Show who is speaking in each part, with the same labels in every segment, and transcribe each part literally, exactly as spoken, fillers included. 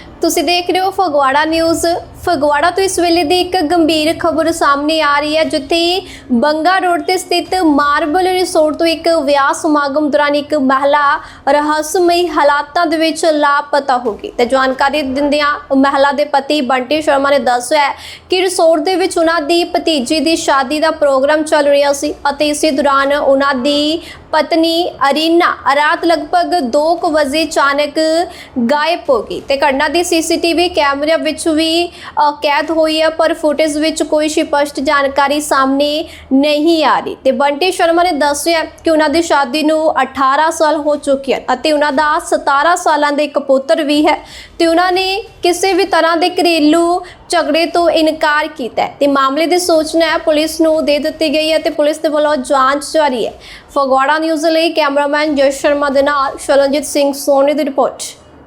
Speaker 1: ਤੁਸੀਂ ਦੇਖ ਰਹੇ ਹੋ ਫਗਵਾੜਾ ਨਿਊਜ਼। ਫਗਵਾੜਾ ਤੋਂ ਇਸ ਵੇਲੇ ਦੀ ਇੱਕ ਗੰਭੀਰ ਖਬਰ ਸਾਹਮਣੇ ਆ ਰਹੀ ਹੈ, ਜਿੱਥੇ ਬੰਗਾ ਰੋਡ ਤੇ ਸਥਿਤ ਮਾਰਬਲ ਰਿਸੋਰਟ ਤੋਂ ਇੱਕ ਵਿਆਹ ਸਮਾਗਮ ਦੌਰਾਨ ਇੱਕ ਮਹਿਲਾ ਰਹੱਸਮਈ ਹਾਲਾਤਾਂ ਦੇ ਵਿੱਚ ਲਾਪਤਾ ਹੋ ਗਈ। ਤੇ ਜਾਣਕਾਰੀ ਦਿੰਦਿਆਂ ਮਹਿਲਾ ਦੇ ਪਤੀ ਬੰਟੀ ਸ਼ਰਮਾ ਨੇ ਦੱਸਿਆ ਕਿ ਰਿਸੋਰਟ ਦੇ ਵਿੱਚ ਉਹਨਾਂ ਦੀ ਭਤੀਜੀ ਦੀ ਸ਼ਾਦੀ ਦਾ ਪ੍ਰੋਗਰਾਮ ਚੱਲ ਰਿਹਾ ਸੀ ਅਤੇ ਇਸੇ ਦੌਰਾਨ ਉਹਨਾਂ ਦੀ ਪਤਨੀ ਅਰੀਨਾ ਰਾਤ ਲਗਭਗ ਦੋ ਵਜੇ ਅਚਾਨਕ ਗਾਇਬ ਹੋ ਗਈ ਤੇ ਘਟਨਾ ਦੀ ਸੀਸੀਟੀਵੀ ਕੈਮਰਿਆਂ ਵਿੱਚ ਵੀ ਕੈਦ ਹੋਈ ਹੈ, ਪਰ ਫੁਟੇਜ ਵਿੱਚ ਕੋਈ ਸਪਸ਼ਟ ਜਾਣਕਾਰੀ ਸਾਹਮਣੇ ਨਹੀਂ ਆ ਰਹੀ। ਤੇ ਬੰਟੀ ਸ਼ਰਮਾ ਨੇ ਦੱਸਿਆ ਕਿ ਉਹਨਾਂ ਦੀ ਸ਼ਾਦੀ ਨੂੰ ਅਠਾਰਾਂ ਸਾਲ ਹੋ ਚੁੱਕੇ ਹਨ ਅਤੇ ਉਹਨਾਂ ਦਾ ਸਤਾਰਾਂ ਸਾਲਾਂ ਦਾ ਇੱਕ ਪੁੱਤਰ ਵੀ ਹੈ ਤੇ ਉਹਨਾਂ ਨੇ ਕਿਸੇ ਵੀ ਤਰ੍ਹਾਂ ਦੇ ਘਰੇਲੂ ਝਗੜੇ ਤੋਂ ਇਨਕਾਰ ਕੀਤਾ ਹੈ ਤੇ ਮਾਮਲੇ ਦੀ ਸੂਚਨਾ ਪੁਲਿਸ ਨੂੰ ਦੇ ਦਿੱਤੀ ਗਈ ਹੈ ਤੇ ਪੁਲਿਸ ਦੇ ਵੱਲੋਂ ਜਾਂਚ ਜਾਰੀ ਹੈ। ਫਗਵਾੜਾ ਨਿਊਜ਼ ਲਈ ਕੈਮਰਾਮੈਨ ਜਸ ਸ਼ਰਮਾ ਦੇ ਨਾਲ ਸ਼ਰਨਜੀਤ ਸਿੰਘ ਸੋਨੀ ਦੀ ਰਿਪੋर्ट।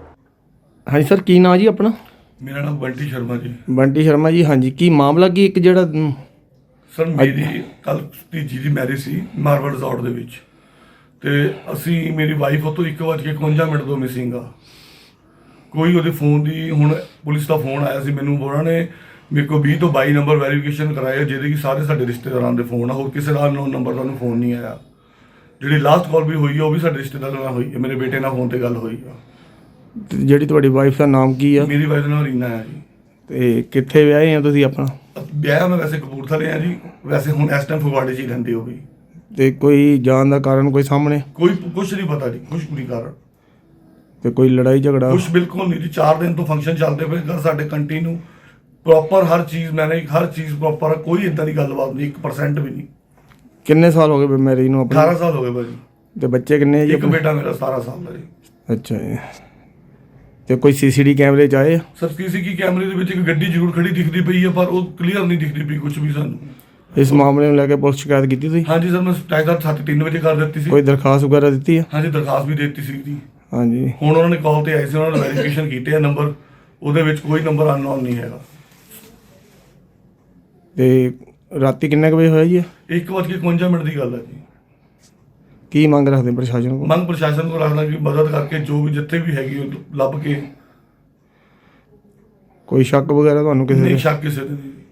Speaker 2: हाँ जी सर, की नाम जी अपना?
Speaker 3: मेरा नाम बंटी शर्मा जी।
Speaker 2: बंटी शर्मा जी, हाँ जी, की मामला की एक ਜਿਹੜਾ
Speaker 3: ਸਰ ਮੇਰੀ ਕੱਲ ਭਤੀਜੀ ਦੀ ਮੈਰਿਜ ਸੀ ਮਾਰਬਲ ਰਿਜ਼ੋਰਟ ਦੇ ਵਿੱਚ ਤੇ ਅਸੀਂ ਮੇਰੀ ਵਾਈਫ ਉਹ ਤੋਂ ਇੱਕ ਵਜੇ ਇਕਵੰਜਾ ਮਿੰਟ ਤੋਂ ਮਿਸਿੰਗ ਆ। ਕੋਈ ਉਹਦੇ ਫੋਨ ਦੀ ਹੁਣ ਪੁਲਿਸ ਦਾ ਫੋਨ ਆਇਆ ਸੀ ਮੈਨੂੰ, ਉਹਨਾਂ ਨੇ ਮੇਰੇ ਕੋਲ ਵੀਹ ਤੋਂ ਬਾਈ ਨੰਬਰ ਵੈਰੀਫਿਕੇਸ਼ਨ ਕਰਾਇਆ ਜਿਹਦੇ ਕਿ ਸਾਰੇ ਸਾਡੇ ਰਿਸ਼ਤੇਦਾਰਾਂ ਦੇ ਫੋਨ ਆ, ਹੋਰ ਕਿਸੇ ਦਾ ਅਨਨੋਨ ਨੰਬਰ ਦਾ ਫੋਨ ਨਹੀਂ ਆਇਆ। ਜਿਹੜੀ ਲਾਸਟ ਕਾਲ ਵੀ ਹੋਈ ਆ ਉਹ ਵੀ ਸਾਡੇ ਰਿਸ਼ਤੇਦਾਰਾਂ ਨਾਲ ਹੋਈ ਹੈ, ਮੇਰੇ ਬੇਟੇ ਨਾਲ ਫੋਨ ਤੇ ਗੱਲ ਹੋਈ ਆ।
Speaker 2: ਜਿਹੜੀ ਤੁਹਾਡੀ ਵਾਈਫ ਦਾ ਨਾਮ ਕੀ ਆ?
Speaker 3: ਮੇਰੀ ਵਾਈਫ ਦਾ ਨਾਮ ਰੀਨਾ ਹੈ ਜੀ।
Speaker 2: ਤੇ ਕਿੱਥੇ ਵਿਆਹੇ ਆ ਤੁਸੀਂ ਆਪਣਾ?
Speaker 3: ਵਿਆਹ ਮੈਂ ਵੈਸੇ ਕਪੂਰਥਲੇ ਆ ਜੀ, ਵੈਸੇ ਹੁਣ ਇਸ ਟਾਈਮ ਫਗਵਾੜੇ 'ਚ ਹੀ ਰਹਿੰਦੇ ਹੋ ਵੀ।
Speaker 2: ਤੇ ਕੋਈ ਜਾਣ ਦਾ ਕਾਰਨ ਕੋਈ ਸਾਹਮਣੇ?
Speaker 3: ਕੋਈ ਕੁਛ ਨਹੀਂ ਪਤਾ ਜੀ, ਕੁਛ ਨਹੀਂ ਕਾਰਨ।
Speaker 2: ਤੇ ਕੋਈ ਲੜਾਈ ਝਗੜਾ?
Speaker 3: ਕੁਛ ਬਿਲਕੁਲ ਨਹੀਂ ਜੀ। ਚਾਰ ਦਿਨ ਤੋਂ ਫੰਕਸ਼ਨ ਚੱਲਦੇ ਪਏ ਘਰ ਸਾਡੇ ਕੰਟੀਨਿਊ ਪ੍ਰੋਪਰ ਹਰ ਚੀਜ਼ ਮੈਨੇ ਹਰ ਚੀਜ਼ ਪ੍ਰੋਪਰ, ਕੋਈ ਇਦਾਂ ਦੀ ਗੱਲਬਾਤ ਨਹੀਂ, ਇੱਕ ਪਰਸੈਂਟ ਵੀ ਨਹੀਂ।
Speaker 2: ਕਿੰਨੇ ਸਾਲ ਹੋ ਗਏ ਮੈਰਿਜ ਨੂੰ ਆਪਣੇ?
Speaker 3: ਅਠਾਰਾਂ ਸਾਲ ਹੋ ਗਏ ਭਾਜੀ।
Speaker 2: ਤੇ ਬੱਚੇ ਕਿੰਨੇ ਆ ਜੀ?
Speaker 3: ਇੱਕ ਬੇਟਾ ਮੇਰਾ ਸਤਾਰਾਂ ਸਾਲ ਦਾ ਜੀ।
Speaker 2: ਅੱਛਾ ਜੀ। ਤੇ ਕੋਈ ਸੀਸੀਟੀ ਕੈਮਰੇ ਚ ਆਏ?
Speaker 3: ਸਰ ਸੀਸੀਟੀ ਕੈਮਰੇ ਦੇ ਵਿੱਚ ਇੱਕ ਗੱਡੀ ਜ਼ਰੂਰ ਖੜੀ ਦਿਖਦੀ ਪਈ ਹੈ, ਪਰ ਉਹ ਕਲੀਅਰ ਨਹੀਂ ਦਿਖਦੀ ਪਈ ਕੁਝ ਵੀ ਸਾਨੂੰ।
Speaker 2: ਇਸ ਮਾਮਲੇ ਨੂੰ ਲੈ ਕੇ ਪੁਲਿਸ ਸ਼ਿਕਾਇਤ ਕੀਤੀ ਤੁਸੀਂ?
Speaker 3: ਹਾਂਜੀ ਸਰ, ਮੈਂ ਟਾਈਗਰ ਸੱਤ ਤਿੰਨ ਵਜੇ ਕਰ ਦਿੱਤੀ ਸੀ।
Speaker 2: ਕੋਈ ਦਰਖਾਸਤ ਵਗੈਰਾ ਦਿੱਤੀ ਹੈ?
Speaker 3: ਹਾਂਜੀ ਦਰਖਾਸਤ ਵੀ ਦੇ ਦਿੱਤੀ ਸੀ ਜੀ।
Speaker 2: ਹਾਂਜੀ।
Speaker 3: ਹੁਣ ਉਹਨਾਂ ਨੇ ਕਾਲ ਤੇ ਆਏ ਸੀ, ਉਹਨਾਂ ਨੇ ਵੈਰੀਫਿਕੇਸ਼ਨ ਕੀਤੇ ਆ ਨੰਬਰ, ਉਹਦੇ ਵਿੱਚ ਕੋਈ ਨੰਬਰ ਅਨਨੋਨ ਨਹੀਂ ਹੈਗਾ।
Speaker 2: ਤੇ ਰਾਤੀ ਕਿੰਨੇ ਕੁ ਵਜੇ ਹੋਇਆ ਜੀ?
Speaker 3: ਇੱਕ ਵੱਜ ਕੇ ਇਕਵੰਜਾ ਮਿੰਟ ਦੀ ਗੱਲ ਹੈ ਜੀ।
Speaker 2: ਕੀ ਮੰਗ ਰੱਖਦੇ ਪ੍ਰਸ਼ਾਸਨ ਕੋਲ?
Speaker 3: ਮੰਗ ਪ੍ਰਸ਼ਾਸਨ ਕੋਲ ਰੱਖਣਾ ਕਿ ਮਦਦ ਕਰਕੇ ਜੋ ਵੀ ਜਿੱਥੇ ਵੀ ਹੈਗੀ ਉਹ ਲੱਭ ਕੇ।
Speaker 2: ਕੋਈ ਸ਼ੱਕ ਵਗੈਰਾ ਤੁਹਾਨੂੰ ਕਿਸੇ
Speaker 3: ਨਹੀਂ
Speaker 2: ਦੇ?
Speaker 3: ਸ਼ੱਕ ਕਿਸੇ ਦੇ ਨਹੀਂ।